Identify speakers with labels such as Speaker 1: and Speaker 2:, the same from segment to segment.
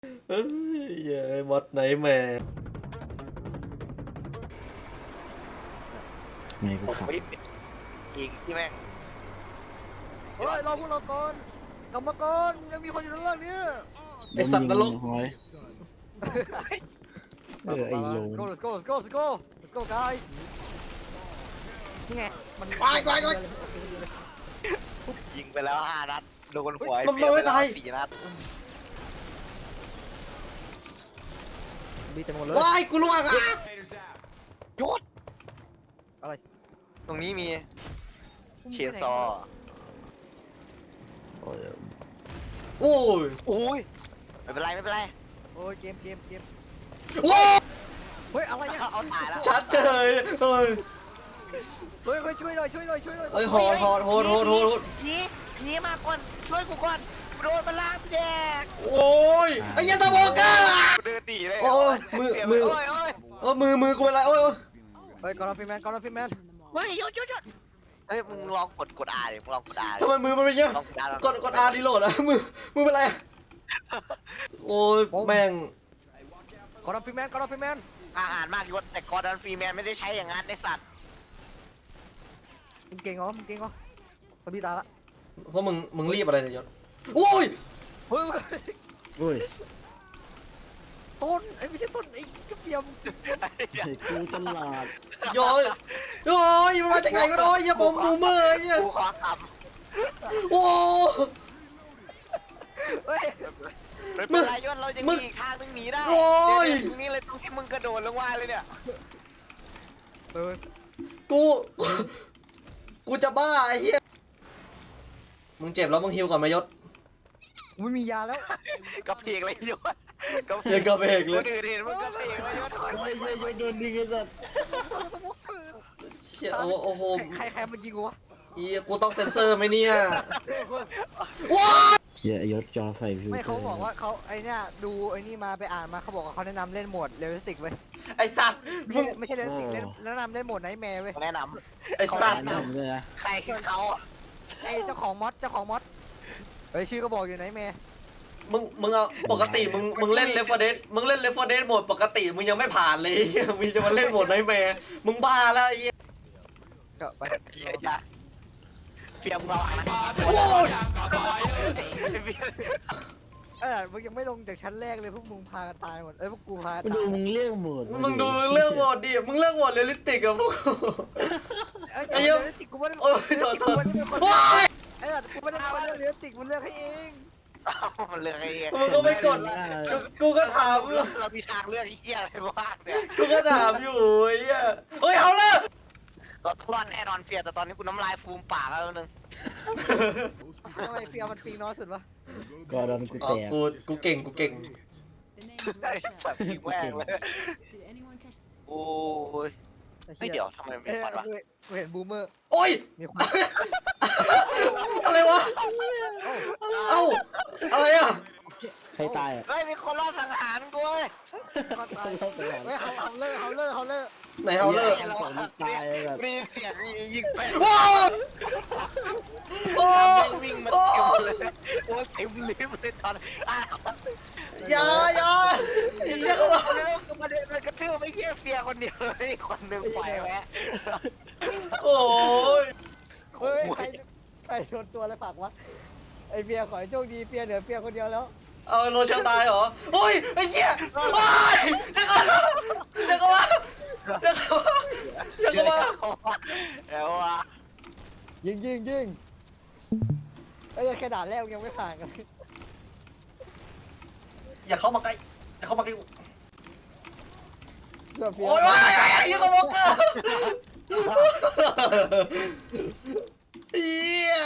Speaker 1: เฮ้ยเย้มดไหนแม่
Speaker 2: ไม่กู
Speaker 3: ผม
Speaker 2: ขับ
Speaker 3: ไม่ยิงที่แม่ง
Speaker 4: เฮ้ยเราพวกเราก่อนกลับมาก่อนยังมีคนอยู่ในเรื่องนี้
Speaker 1: ไอสัตว์นรก
Speaker 2: หอยไอ้โล
Speaker 4: let's go let's go let's go let's go let's go guys นี่ไงมัน
Speaker 3: ยิงไปแล้ว5 นัดโดนหัว
Speaker 1: มันไม่ตาย
Speaker 3: 4 นัด
Speaker 4: บีเต็มหมดเลย
Speaker 1: ว้ายกูล่วงอ่ะ
Speaker 3: หยุด
Speaker 4: อะไร
Speaker 3: ตรงนี้มีเชนซอ
Speaker 2: โอ้ย
Speaker 1: โอ้ย
Speaker 3: โอ้ยไม่เป็นไรไม่เป็นไร
Speaker 4: โอ้ยเกม
Speaker 1: ว้า
Speaker 4: เฮ้ยอะไรเนี่ย
Speaker 3: เอาตายแล้ว
Speaker 1: ชัดเจยเฮ้ย
Speaker 4: เฮ้ยช่วยหน่อย
Speaker 1: เฮ้ยโหด
Speaker 3: ผีมาก่อนช่วยกูก่อนโดนมันลากแดก
Speaker 1: โอ้ยไอ้ยันตะโบก้า
Speaker 3: กูเดินหนีเลย
Speaker 1: โอ้ยมือ
Speaker 3: โอ้ยโอ้ย
Speaker 1: มือกูเป็นไรโอ้ย
Speaker 4: เฮ้ยกอร์ฟิแมน
Speaker 3: เฮ้ยหยุดเฮ้ยมึงลองกดอาดิมึงลองกดอาดิ
Speaker 1: ทำไมมือมันเป็นเงี้ย
Speaker 3: ลองกดอาก
Speaker 1: ดอาร์ดีโหลดอะมือเป็นไรโอ้ยแม่ง
Speaker 4: กอร์ฟิแมน
Speaker 3: อาหารมากยศแต่กอร์ดอนฟรีแมนไม่ได้ใช้อย่างนั้นในสัตว์
Speaker 4: มึงเก่งเหรอสบีตายละ
Speaker 1: เพราะมึงรีบอะไรเนี่ยยศโอ้ย
Speaker 4: เฮ้ย
Speaker 2: โอ้ย
Speaker 4: ต้นไอ้ไม่ใช่ต้นไอ้เฟียม
Speaker 2: ไอ้กูตลาด
Speaker 1: ย้อยมันมาจากไหนก็ได้อย่าบอมบูมเมอร์ไอ้เหี้ย
Speaker 3: กูขอค
Speaker 1: โอ้
Speaker 4: เฮ้ย
Speaker 3: ำไม่เป็นไรยศเราจะมีอีกทางนึงหนีได้
Speaker 1: โอ้ย
Speaker 3: ตรงนี้เลยตรงที่มึงกระโดดลงมาเลยเนี่ย
Speaker 4: เออ
Speaker 1: กูจะบ้าไอ้เหี้ยมึงเจ็บแล้วมึงฮิวก่อนไหมยศ
Speaker 4: ไม่มียาแล้ว
Speaker 3: กระเพกเลยยศ
Speaker 1: เฮียกระเพกเลย
Speaker 3: คนอื่นเห็นมึงกระเพกเลยยศ
Speaker 2: โอ้ยโดนดึงไอ้สัส
Speaker 1: เชี่ยโอ้โห
Speaker 4: ใครมายิงกูวะ
Speaker 1: อีกูต้องเซ็นเซอร์ไหมเนี่ยว้า
Speaker 2: เหี้ยยศจอไฟพิว
Speaker 4: ไม่เขาบอกว่าเขาไอ้เนี่ยดูไอ้นี่มาไปอ่านมาเขาบอกว่าเขาแนะนำเล่นโหมดเรียลลิสติกเว้ย
Speaker 1: ไอสัตว์มึง
Speaker 4: ไม่ใช่เรียลลิสติกเล่นแนะนำเล่นโหมดไนท์แมร์เว้ย
Speaker 3: แนะน
Speaker 1: ไอสัตว์
Speaker 2: แนะนำเลยนะ
Speaker 3: ำใครคือเขา
Speaker 4: ไอ้เจ้าของมอดเฮ้ยชื่อก็บอกอยู่ไนท์แมร์
Speaker 1: มึงเอาปกติมึงเล่นเลฟเฟอร์เดสมึงเล่นเลฟเฟอร์เดสโหมดปกติมึงยังไม่ผ่านเลยมึงจะมาเล่นโหมดไนท์แมร์มึงบ้าแล้วไอ้เหี้ย
Speaker 4: ก็ไป
Speaker 3: อย่าเปียมเรานะ
Speaker 1: โอ้ย
Speaker 4: มึงยังไม่ลงจากชั้นแรกเลยพวกมึงพากันตายหมดพวกกูพา
Speaker 2: มา
Speaker 4: ตา
Speaker 2: ดู
Speaker 4: ย
Speaker 2: มึงเรื่องหมด
Speaker 1: มึงดูเรื่องโหมดดิมึงเลือกโหมดเรียลลิสติกอะพวกกู
Speaker 4: ไอ้
Speaker 1: ไอ้เหี้
Speaker 4: เรี
Speaker 1: ย
Speaker 4: ยลลิสติกกูไม่ได้
Speaker 1: โอ้ย
Speaker 4: เรียลลิสติกกูไม่ได้เป็นคน
Speaker 1: โอ้ย
Speaker 4: ไอ้สัตว์กูไม่ได้เป็นคนเลือกเรียลลิสติกมันเลือกให้เอง
Speaker 3: มันเลือกไอ้เหี้ย
Speaker 1: มึงก็ไม่กดกูก็ถาม
Speaker 3: เรามีทางเลือกไอ้เหี้ยอะไรบ้างเนี่ย
Speaker 1: กูก็ถามอยู่ไอ้เหี้ยเฮ้ยเอาเลย
Speaker 3: รถทอนแน่นอนเฟียแต่ตอนนี้กูน้ำลายฟูมปากแล้วนึง
Speaker 4: ทำไมเฟียมันปีน้อยสุดวะ
Speaker 2: ก็โดนกู
Speaker 1: อ๋อ
Speaker 2: แตก
Speaker 1: กูเก่ง
Speaker 3: ไอ้สัตว์พี่แม่งเลย
Speaker 5: Did anyone catch
Speaker 3: โอ้ย
Speaker 4: ไอ้
Speaker 3: ไม่
Speaker 4: หี้
Speaker 3: เดี๋ยวทำไมมันมีควันวะ
Speaker 4: กูเห็นบูมเมอร์
Speaker 1: โอ้ย
Speaker 4: มีคน
Speaker 1: อะไรวะเอ้าอะไรอ่ะ
Speaker 2: ใครตายอ่ะ
Speaker 3: เฮ้ยมีคนรอดสังหารกูเว้ย
Speaker 4: ก็ตายเฮ้ยเขาเลิก
Speaker 1: ไหนเฮาเลอร์
Speaker 2: ตายแบบ
Speaker 3: มีเสียงยิงไป
Speaker 1: ว้าวโอ้
Speaker 3: วิ่งมา
Speaker 1: โอ้
Speaker 3: เต็มเลยโอ้เต็มลิฟต์เลยตอน
Speaker 1: อย่าเรียกว่า
Speaker 3: แล้วก็มาเดินกระทืบไม่เยี่ยเฟียคนเดียวเลยคนหนึ่งปล่อยแวะ
Speaker 1: โอ้ย
Speaker 4: เฮ้ยใครโดนตัวอะไรฝากวะไอเฟียขอให้โชคดีเฟียเหลือเฟียคนเดียวแล้ว
Speaker 1: เอาโรเชลตายเหรอโอ้ยไอ้เหี้ยโอ้ยเดี๋ยวก็ว่า
Speaker 3: แล้วว่ะ
Speaker 4: ยิงไอ้แค่ด่านแรกยังไม่ผ่านกัน
Speaker 1: อย่าเข้ามาใกล้กู
Speaker 4: เพื่อเฟีย
Speaker 1: โอ้ยยิงกระบอกเกอร์เหี้ย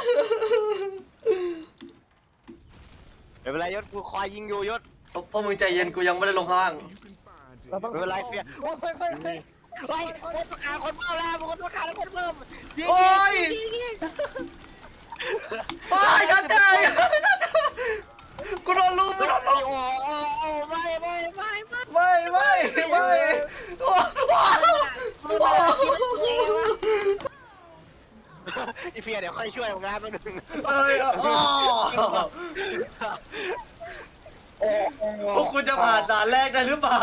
Speaker 3: ไม่เป็นไรยศกูคอยยิงอยู่ยศ
Speaker 1: พอมึงใจเย็นกูยังไม่ได้ลงข้างล่าง
Speaker 4: เราต้อง
Speaker 3: ไม่เป็นไรเฟีย
Speaker 4: โอ้ยเฮ้ย
Speaker 3: เฮ้ยคนต้องการคนเพิ่มแล้วคนต้องการคนเพิ่ม
Speaker 1: โอ้ยไปกันใจกูโดนลูก
Speaker 3: โอ้โหไม่
Speaker 1: โอ้
Speaker 3: อีเฟียเดี๋ยวค่อยช่วยงานมาหนึ่ง
Speaker 1: โอ้พวกคุณจะผ่านด่านแรกได้หรือเปล่า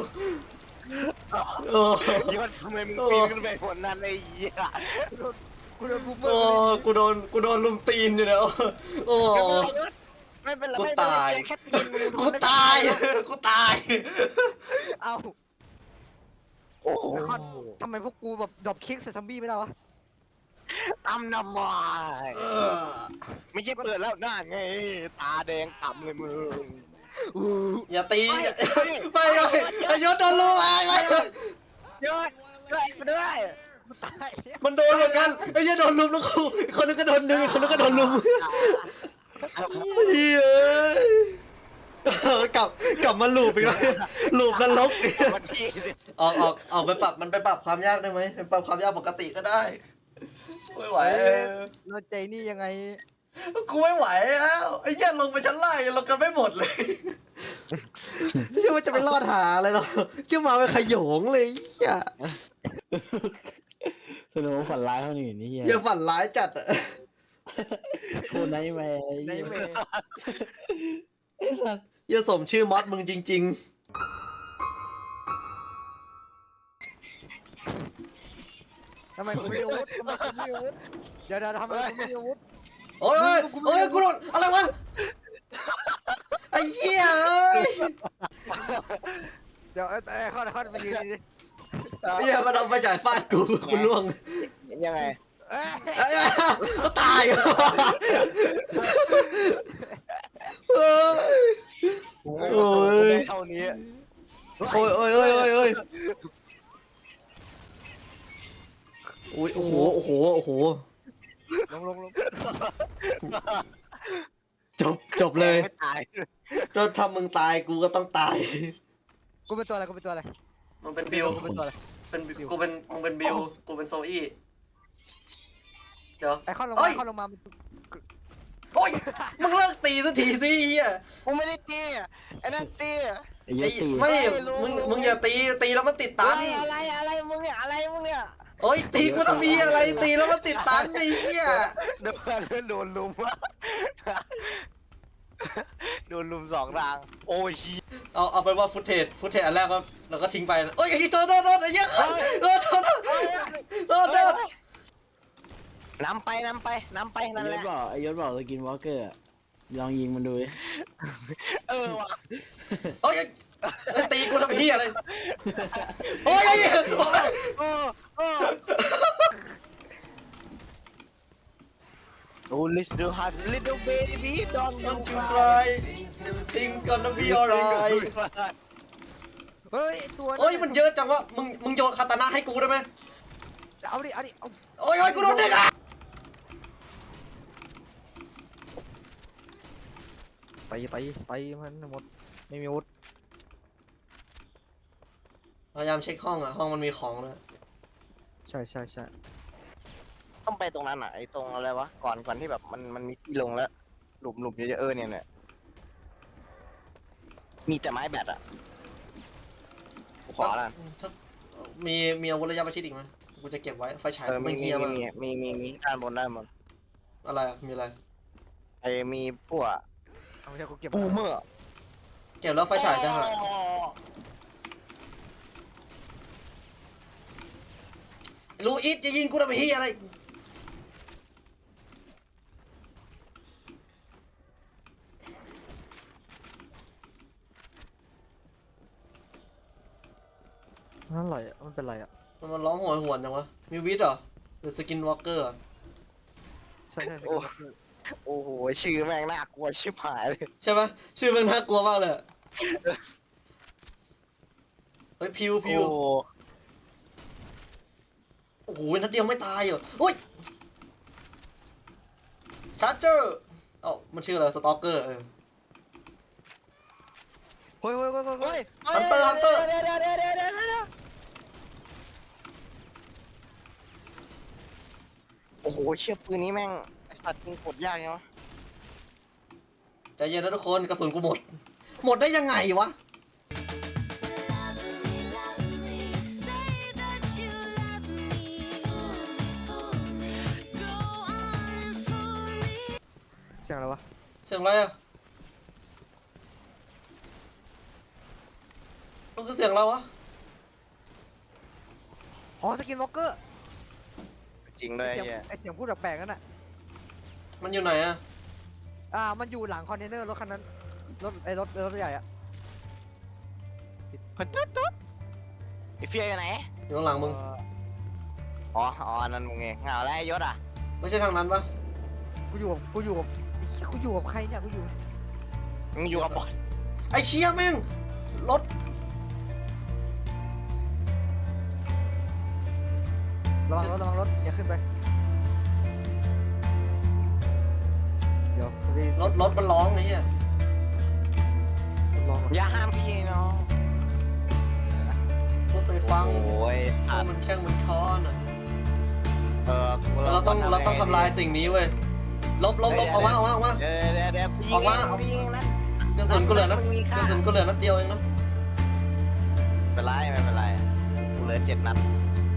Speaker 1: โอ้
Speaker 3: ยศทำไมมึงปีนขึ้นไปบนนั้นไอ้เหี้ย
Speaker 4: กูโดนบูมเมอ
Speaker 1: โอ้
Speaker 4: ร์
Speaker 1: กูโดนลุมตีนอยู่เนี่ยโอ้
Speaker 3: ไม่เป็นไร
Speaker 1: กู
Speaker 3: ไม่เป็นไร
Speaker 1: ตาย
Speaker 3: แค่ตีนมึง
Speaker 1: กูตาย กูตาย
Speaker 4: เอ้า
Speaker 3: โอ้โห
Speaker 4: ทำไมพวกกูแบบดรอปคิกใส่ซัมบี้ไม่ได้วะ
Speaker 3: ตำน้ำมันไม่ใช่เปิดแล้วหน้าไงตาแดงต่ำเลยมึง
Speaker 1: อย่าตี
Speaker 3: ไม่
Speaker 1: ไม่ไอ้ยศโดนลุมไอ้ไม่
Speaker 3: ยศช่วยกูด้วย
Speaker 4: กูตาย
Speaker 1: มันโดนเหมือนกันไอ้ยศโดนลุมแล้วกูอีกคนนึงก็โดนดึงอีกคนนึงก็โดนลุมเฮ้ยกลับมาลูปอีกแล้วลูปนรก
Speaker 3: วันที่
Speaker 1: ออกไปปรับมันไปปรับความยากได้ไหมไปปรับความยากปกติก็ได้ไม่ไหว
Speaker 4: เราใจนี่ยังไง
Speaker 1: กูไม่ไหวแล้วไอ้เหี้ยลงไปชั้นล่างยังลงกันไม่หมดเลยเหี้ยมันจะไปรอดหาอะไรหรอเกี่ยวมาไปขโยงเลยเหี้ย
Speaker 2: สนุกฝันร้ายเท่านี้นี่เฮีย
Speaker 1: อย่าฝันร้ายจัดอะ
Speaker 2: โคตรไนท์แมร์
Speaker 4: ในเมย์
Speaker 1: อย่าสมชื่อมอสมึงจริง
Speaker 4: ทำไมกูไม่มีอาวุธทำไมกูไม่มีอาวุธเดี๋ยวทำไมกูไม่มีอาวุธ
Speaker 1: ๆ โอ้ยโอ้ยกูโดนอะไรวะไอ้เหี้ยเอ้ย
Speaker 4: เดี๋ยวข้อมายืนดิ
Speaker 1: เหี้ยมันเอาไปจ่ายฟาดกูล่วง
Speaker 3: ยังไง
Speaker 4: เอ้ย
Speaker 1: เอ้ยก็ตายเฮ้ย
Speaker 3: โอ้
Speaker 1: โอ้ย
Speaker 3: เท่านี้
Speaker 1: โอ้ยโอ้ยโอ้ยโอ้ยโอ้ยโอ้ยโอ้โหโอ้โหโอ้โห
Speaker 4: ลง
Speaker 1: จบเลย
Speaker 3: ไม่ตาย
Speaker 1: ถ้าทำมึงตายกูก็ต้องตาย
Speaker 4: กูเป็นตัวอะไรกูเป็นตัวอะไร
Speaker 1: มันเป็นบิว
Speaker 4: กูเป็นตัวอะไร
Speaker 1: เป็นกูเป็นมึงเป็นบิวกูเป็นโซอี้เดี๋ยว
Speaker 4: ไอ้ข้อลง
Speaker 1: เอ้
Speaker 4: มาย ข้อลงมา
Speaker 1: โอ้ยมึงเลิกตีสักทีสิเฮีย
Speaker 3: กูไม่ได้ตีไอ้นั่นตี
Speaker 2: ไอ้เหี้ยตี
Speaker 1: ไม่
Speaker 3: รู้
Speaker 1: มึงอย่าตีแล้วมันติดตัน
Speaker 3: อะไรมึงเนี่ยอะไรมึงเนี่ย
Speaker 1: โอ้ยตีกูต้องมีอะไรตีแล้วมันติดตันไอ้เหี้ย
Speaker 3: โดนลุมโดนลุมสองทางโอ้ย
Speaker 1: เอาเป็นว่าฟุตเทจอันแรกก็เราก็ทิ้งไปโอ้ยไอ้โทษไอ้เหี้ยโทษ
Speaker 3: นำไปนั่น
Speaker 2: ไอ้
Speaker 3: แห
Speaker 2: ย
Speaker 3: ละ
Speaker 2: ศบอกไอ้ยศบอกสกินวอล์กเกอร์อะลองยิงมันดูดิ
Speaker 3: ว่ะ
Speaker 1: โอ้ยตีกูทำเหี้ยอะไรโอ้ยไอ้เหี้ย
Speaker 3: โอ้ let's do hard little baby don't
Speaker 1: Don't you cry things gonna be alright
Speaker 4: เฮ้ยตัว
Speaker 1: โอ้ยมันเยอะจังวะมึงโยนคาตานะให้กูได้ไหม
Speaker 4: เอาดิ
Speaker 1: โอ้ยกูโดนเด็กอ่ะ
Speaker 4: ตีมันหมดไม่มีอาวุธ
Speaker 1: พยายามเช็คห้องอ่ะห้องมันมีของเลย
Speaker 4: ใช่
Speaker 3: ต้องไปตรงนั้นอ่ะไอ้ตรงอะไรวะก่อนที่แบบมันมีที่ลงแล้วหลุมเยอะๆเนี่ยมีแต่ไม้แบตอ่ะขอละ
Speaker 1: มีอาวุธระยะประชิดอีกไหมกูจะเก็บไว้ไฟฉาย
Speaker 3: มี
Speaker 1: ไม่เฮียมัน
Speaker 3: ด้านบนได้หมด
Speaker 1: อะไรอะมีอะไร
Speaker 3: ไอ้มีพวก
Speaker 4: เอาไม่ใช่กูเก็บ
Speaker 3: บูมเมอร์
Speaker 1: เก็บแล้วไฟฉายจะหายลูอิสจะยิงกูทำไมเฮียอะไร
Speaker 4: นั่นอะไรอ่ะมันเป็นไรอ่ะ
Speaker 1: มันร้องโหยหวนจังวะมีวิทย์เหรอหรือสกินวอล์กเกอร์
Speaker 4: ใช่
Speaker 3: โอ้โหชื่อแม่งน่ากลัวชิบหายเลย
Speaker 1: ใช่ปะชื่อมันน่ากลัวมากเลยอะเฮ้ยพิว
Speaker 3: โอ้
Speaker 1: โอ้โหนัดเดียวไม่ตายเหรออุ้ยชาร์เจอร์เอ้ามันชื่ออะไรสตอกเกอร์
Speaker 4: เฮ้ย
Speaker 1: ฮันเตอร์
Speaker 3: เดี๋ยวโอ้โหเชี่ยปืนนี้แม่งไอสัตว์ยิงกดยากเนาะ
Speaker 1: ใจเย็นนะทุกคนกระสุนกูหมดได้ยังไงวะ
Speaker 4: เสียงอะไรวะ
Speaker 1: เสียงอะไรอะมันคือเสียงอะไรวะ
Speaker 4: อ๋อสกินวอล์กเกอร์
Speaker 3: จริงด้วย
Speaker 4: เสียง
Speaker 3: เฮีย
Speaker 4: ไอเสียงพูดแปลกๆนั่นน่ะ
Speaker 1: มันอยู่ไหนอะ
Speaker 4: มันอยู่หลังคอนเทนเนอร์รถคันนั้นรถใหญ่อะ
Speaker 3: เฮ้ยตุ๊ดไอเฟียอยู่ไหน
Speaker 1: อยู่ข้างหลังมึง
Speaker 3: อ๋ออันนั้นมึงไงเหงาแล้วไอ้ยศอ่ะ
Speaker 1: ไม่ใช่ทางนั้นปะ
Speaker 4: กูอยู่กับไอ้เหี้ยกูอยู่กับใครเนี่ยกูอยู่
Speaker 3: มึงอยู่กับบอส
Speaker 1: ไอ้เชี่ยแม่งรถ
Speaker 4: ระวังรถอย่าขึ้นไปเดี๋ยวกูได้ยิน
Speaker 1: ร
Speaker 4: เสีย
Speaker 1: ถ
Speaker 4: ง
Speaker 1: รถมันร้องไอ้เหี้ย
Speaker 4: ลองก่อน
Speaker 3: อย่าห้ามพี่น้อง
Speaker 1: รถไปฟัง
Speaker 3: โอ้ย
Speaker 1: เพ
Speaker 3: สั
Speaker 1: ราะ
Speaker 3: ตว์
Speaker 1: มันแข้งมันค้อนอะ
Speaker 3: กู
Speaker 1: เราต้องทำลายสิ่งนี้เว้ยลบออกมา
Speaker 3: เดี๋ยว
Speaker 1: ออกมา
Speaker 3: เดี๋ยวยิง
Speaker 1: ออกมา
Speaker 3: ยิงนะ
Speaker 1: กระสุนกูเหลือนัด
Speaker 3: มันมี
Speaker 1: ก
Speaker 3: ค่า
Speaker 1: ระสุนกูเหลือนัดเดียวเองนะ
Speaker 3: ไม่เป็นไรกูเหลือ7 นัด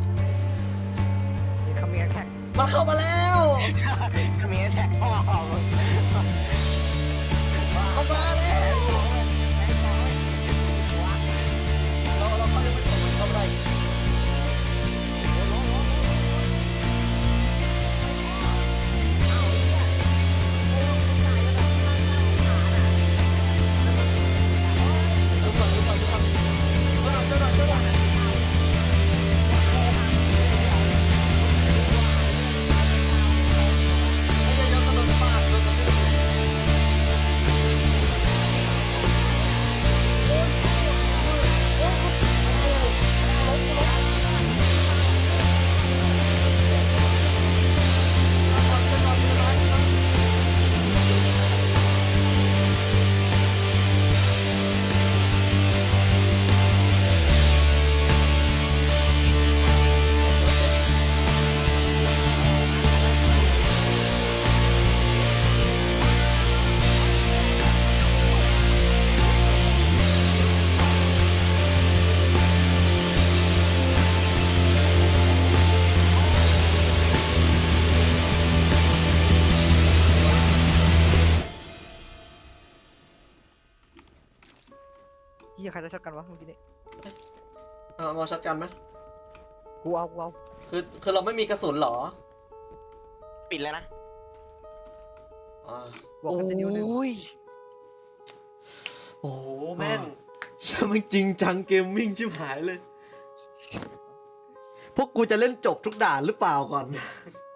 Speaker 4: นี่คำเมียแท็ก
Speaker 1: มันเข้ามาแล้ว
Speaker 3: ก็มีแท็กพ่อมึง
Speaker 1: เข้ามาแล้วเราเขาจะไปตกมันเข้าไป
Speaker 4: เฮียใครจะช็อตกันวะเมื่อกี้นี้
Speaker 1: มาช็อตกันไหม
Speaker 4: กูเอา
Speaker 1: คือเราไม่มีกระสุนเหรอ
Speaker 3: ปิดแล้วนะ
Speaker 1: อ่า
Speaker 4: บอกกันจะนิ้วหนึง
Speaker 3: โอ้ย
Speaker 1: โอ้โหแม่งช่างมันจริงจังเกมมิ่งชิบหายเลย พวกกูจะเล่นจบทุกด่านหรือเปล่าก่อน